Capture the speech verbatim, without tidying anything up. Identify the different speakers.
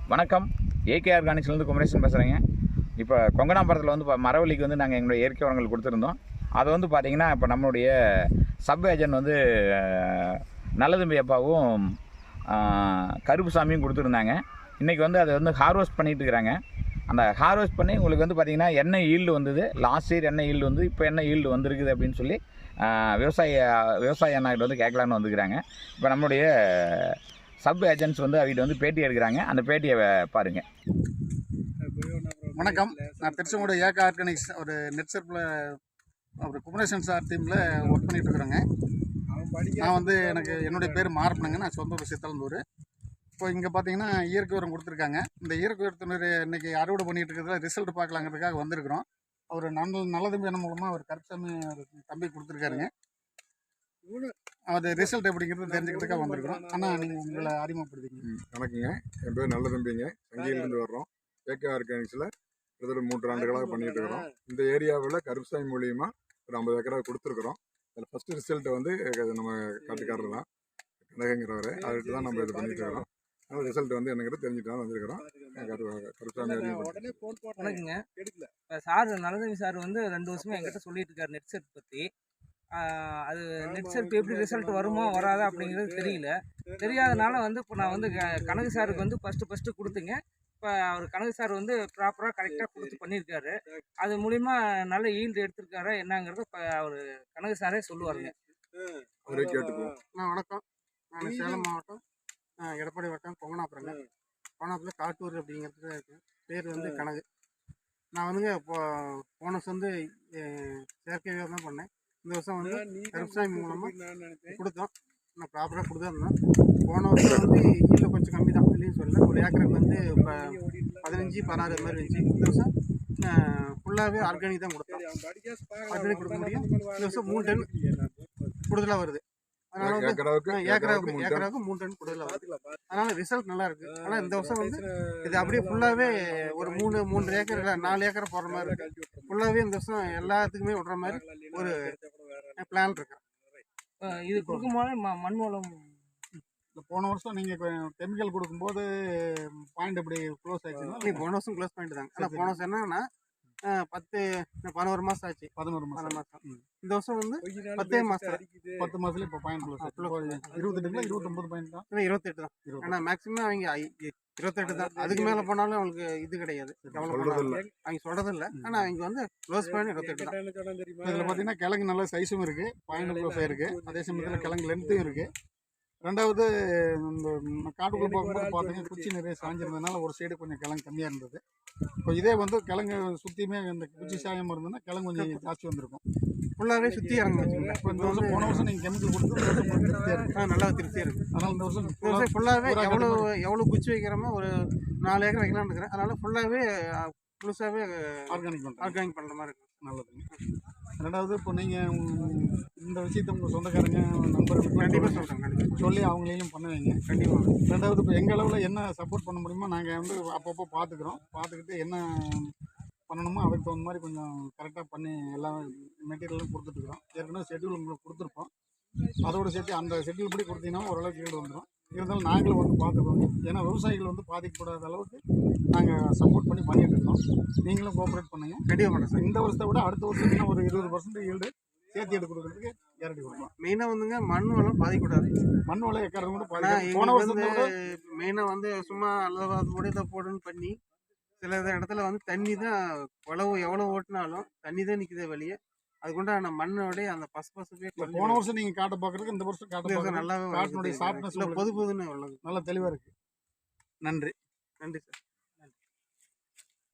Speaker 1: வணக்கம். ஏகே ஆர்கானிக்ஸ்லேருந்து குமரேசன் பேசுகிறேங்க. இப்போ கொங்கனாபுரத்தில் வந்து இப்போ மரவள்ளிக்கு வந்து நாங்கள் எங்களுடைய இயற்கை உரங்கள் கொடுத்துருந்தோம். அதை வந்து பார்த்திங்கன்னா இப்போ நம்மளுடைய சப் ஏஜென்ட் வந்து நல்லதம்பி அப்பாவும் கருப்புசாமியும் கொடுத்துருந்தாங்க. இன்றைக்கி வந்து அதை வந்து ஹார்வெஸ்ட் பண்ணிகிட்டு இருக்கிறாங்க. அந்த ஹார்வெஸ்ட் பண்ணி உங்களுக்கு வந்து பார்த்திங்கன்னா என்ன ஈல்டு வந்தது, லாஸ்ட் இயர் என்ன ஈல்டு வந்து இப்போ என்ன ஈல்டு வந்திருக்குது அப்படின்னு சொல்லி விவசாய விவசாய அண்ணாக்கிட்ட வந்து கேட்கலான்னு வந்துக்கிறாங்க. இப்போ நம்மளுடைய சப் ஏஜென்ட்ஸ் வந்து அவகிட்ட வந்து பேட்டி எடுக்கிறாங்க. அந்த பேட்டியை பாருங்கள்.
Speaker 2: வணக்கம். நான் திருச்செங்கோடு ஏகே ஆர்கானிக்ஸ் ஒரு நெட் செர்ப்பில் ஒரு குமரேசன் சார் டீமில் ஒர்க் பண்ணிகிட்டு இருக்கிறேங்க. நான் வந்து எனக்கு என்னுடைய பேர் மார்பனுங்க. நான் சொந்த ஊர் சித்தலந்தூர். இப்போ இங்கே பார்த்தீங்கன்னா இயற்கை உரம் கொடுத்துருக்காங்க. இந்த இயற்கை உரத்தினர் இன்றைக்கி அறுவடை பண்ணிகிட்டு இருக்கிறதுல ரிசல்ட் பார்க்கலாங்கிறதுக்காக வந்திருக்கிறோம். அவர் நல்ல நல்லதம்பி என்ன மூலமாக ஒரு கருப்புசாமி தம்பி கொடுத்துருக்காருங்க. அது ரிசல்ட் எப்படிங்கிறது தெரிஞ்சுக்கிறதுக்காக வந்திருக்கிறோம். ஆனால் நீங்கள் உங்களை அறிமுகப்படுத்திங்க.
Speaker 3: வணக்கங்க, என் பேர் நல்லதம்பிங்க. சங்கியிலேருந்து வர்றோம். ஏகே ஆர்கானிக்ஸில் கிட்டத்தட்ட மூன்று ஆண்டுகளாக பண்ணிகிட்டு இருக்கிறோம். இந்த ஏரியாவில் கருப்புசாமி மூலியமாக ஒரு ஐம்பது ஏக்கரா கொடுத்துருக்குறோம். அதில் ஃபஸ்ட்டு ரிசல்ட்டை வந்து நம்ம காட்டுக்காரர் தான், கனகங்கிறவர். அதுக்கு தான் நம்ம இது பண்ணிகிட்டு இருக்கிறோம். அதனால் ரிசல்ட் வந்து எனக்கு தெரிஞ்சுட்டு தான் வந்திருக்கிறோம். கருப்புசாமி
Speaker 4: வணக்கங்க. இப்போ சார் நல்லதம்பி சார் வந்து ரெண்டு வருஷமாக என்கிட்ட சொல்லிட்டு இருக்காரு நெட் செட் பற்றி. அது நெட் செட் எப்படி ரிசல்ட் வருமோ வராதா அப்படிங்கிறது தெரியல. தெரியாதனால வந்து இப்போ நான் வந்து கனகு சாருக்கு வந்து ஃபஸ்ட்டு ஃபஸ்ட்டு கொடுத்துங்க. இப்போ அவர் கனகு சார் வந்து ப்ராப்பராக கரெக்டாக கொடுத்து பண்ணியிருக்காரு. அது மூலிமா நல்ல ஈல்டு எடுத்திருக்காரு என்னங்கிறத இப்போ அவர் கனகு சாரே சொல்லுவாருங்க.
Speaker 3: அவரே கேட்டுக்குவோம்.
Speaker 2: வணக்கம். நான் சேலம் மாவட்டம் எடப்பாடி வட்டம் கொங்கனாபுரங்க. கொங்கனாபுரத்தில் காட்டூர் அப்படிங்கிறது இருக்குது. பேர் வந்து கனகு. நான் வந்துங்க இப்போ போன வருஷம் வந்து செயற்கை விவசாயம் தான் பண்ணேன். இந்த வருஷம் வந்து கருப்புசாமி மூலமாக கொடுத்தோம். நான் ப்ராப்பராக கொடுத்துருந்தோம். போன வருஷம் வந்து ஈல்டு கொஞ்சம் கம்மி தான் இல்லைன்னு சொல்லல. ஒரு ஏக்கருக்கு வந்து இப்போ பதினஞ்சு பதினாறு மாதிரி இருந்துச்சு. இந்த வருஷம் ஃபுல்லாகவே ஆர்கானிக் தான் கொடுத்தோம். ஆர்கானிக் கொடுக்க முடியும். இந்த வருஷம் மூணு டன் கூடுதலாக வருது. அதனால வந்து ஏக்கராவுக்கு ஏக்கராவுக்கு மூணு டன் கூடுதலாக வருது. அதனால ரிசல்ட் நல்லா இருக்கு. ஆனால் இந்த வருஷம் வந்து இது அப்படியே ஃபுல்லாகவே ஒரு மூணு மூன்று ஏக்கர் இல்லை நாலு ஏக்கரை போடுற மாதிரி இருக்கு. ஃபுல்லாகவே இந்த வருஷம் எல்லாத்துக்குமே விடுற மாதிரி ஒரு பிளான் இருக்கு.
Speaker 4: இது கொடுக்கும்போது மண் மூலம்
Speaker 2: போன வருஷம் நீங்கள் இப்போ கெமிக்கல் கொடுக்கும்போது பாயிண்ட் எப்படி க்ளோஸ் ஆயிடுச்சுன்னா நீ போன வருஷம் க்ளோஸ் பாயிண்ட் தாங்க. ஆனால் போன வருஷம் என்னன்னா பத்து பதினோரு மாதம் ஆச்சு. பதினோரு மாதம் மாதம் இந்த வருஷம் வந்து பத்தே மாதம் பத்து மாதத்துல இப்போ பாயிண்ட் க்ளோஸ் இருபத்தெட்டுல இருபத்தொம்பது பாயிண்ட் தான் இல்லை இருபத்தெட்டு தான். ஆனால் மேக்ஸிமம் அவங்க இருபத்தெட்டு தான். அதுக்கு மேலே போனாலும் அவங்களுக்கு இது கிடையாது. அவங்க சொல்றது இல்லை. ஆனால் அவங்க வந்து க்ளோஸ் பாயிண்ட் இருபத்தெட்டு தான். இதில் பார்த்தீங்கன்னா கிழங்கு நல்ல சைஸும் இருக்குது, பாயிண்ட் க்ளோஸ் ஆயிருக்கு. அதே சமயத்தில் கிழங்கு லென்த்தும் இருக்குது. ரெண்டாவது இந்த காட்டுக்குள்ளே போகும்போது பார்த்தீங்கன்னா குச்சி நிறைய சாஞ்சிருந்ததுனால ஒரு சைடு கொஞ்சம் கிழங்கு கம்மியாக இருந்தது. இப்போ இதே வந்து கிழங்கு சுற்றியுமே இந்த குச்சி சாயம் இருந்ததுன்னா கிழங்கு கொஞ்சம் ஜாஸ்தி வந்திருக்கும். ஃபுல்லாகவே சுற்றி இறங்க வச்சுக்கோங்க. இப்போ இந்த வருஷம் போன வருஷம் நீங்கள் கெமிக்கல் கொடுத்து திருப்தியாக இருக்குது. நல்லா திருப்தியாக இருக்குது. அதனால் இந்த வருஷம் இந்த வருஷம் ஃபுல்லாகவே எவ்வளோ எவ்வளோ குச்சி வைக்கிறோமோ ஒரு நாலு ஏக்கர் வைக்கலாம்னு இருக்கிறேன். அதனால் ஃபுல்லாகவே முழுசாகவே ஆர்கானிக் பண்ணுறேன் ஆர்கானிக் பண்ணுற மாதிரி இருக்குது. நல்லதுங்க. ரெண்டாவது இப்போ நீங்கள் இந்த விஷயத்தை உங்கள் சொந்தக்காரங்க நண்பர்கள் கண்டிப்பாக சொல்கிறேன். கண்டிப்பாக சொல்லி அவங்களையும் பண்ண வைங்க. கண்டிப்பாக. ரெண்டாவது இப்போ எங்கள் அளவில் என்ன சப்போர்ட் பண்ண முடியுமோ நாங்கள் வந்து அப்பப்போ பார்த்துக்குறோம். பார்த்துக்கிட்டு என்ன பண்ணணுமோ அதுக்கு தகுந்த மாதிரி கொஞ்சம் கரெக்டாக பண்ணி எல்லா மெட்டீரியலும் கொடுத்துட்ருக்குறோம். ஏற்கனவே ஷெட்யூல் உங்களுக்கு கொடுத்துருப்போம். அதோடு சேர்த்து அந்த ஷெட்யூல் படி கொடுத்தீங்கன்னா ஓரளவுக்கு ஈடு வந்துடும். இருந்தாலும் நாங்களும் வந்து பார்த்துக்குவோங்க. ஏன்னா விவசாயிகள் வந்து பாதிக்கப்படாத அளவுக்கு நாங்கள் சப்போர்ட் பண்ணி பண்ணிகிட்டு இருக்கோம். நீங்களும் கோஆப்ரேட் பண்ணுங்கள். கண்டிப்பாக பண்ணுறேன் சார். இந்த வருஷத்தை விட அடுத்த வருஷத்துக்கு ஒரு இருபது பர்சன்ட் ஈல்டு சேர்த்து எடுத்து கொடுக்குறதுக்கு கேரண்டி கொடுக்கலாம். மெயினாக வந்துங்க மண் வளம் பாதிக்கூடாது. மண் வளம் எக்காரது கூட பாதிக்கும். போன வருஷத்தோட மெயினாக வந்து சும்மா அல்லது கூட இதை போடுன்னு பண்ணி சில இடத்துல வந்து தண்ணி தான் உழவு எவ்வளோ ஓட்டினாலும் தண்ணி தான் நிற்குதே வெளியே. அதுக்குண்டான மண்ணோடைய அந்த பசு பசுப்பே போன வருஷம் நீங்கள் காட்ட பார்க்குறதுக்கு இந்த வருஷம் காட்ட நல்லாவே காட்டினுடைய சாஃப்ட்னஸ் பொது பொதுன்னு நல்லா தெளிவாக இருக்குது. நன்றி. நன்றி சார்.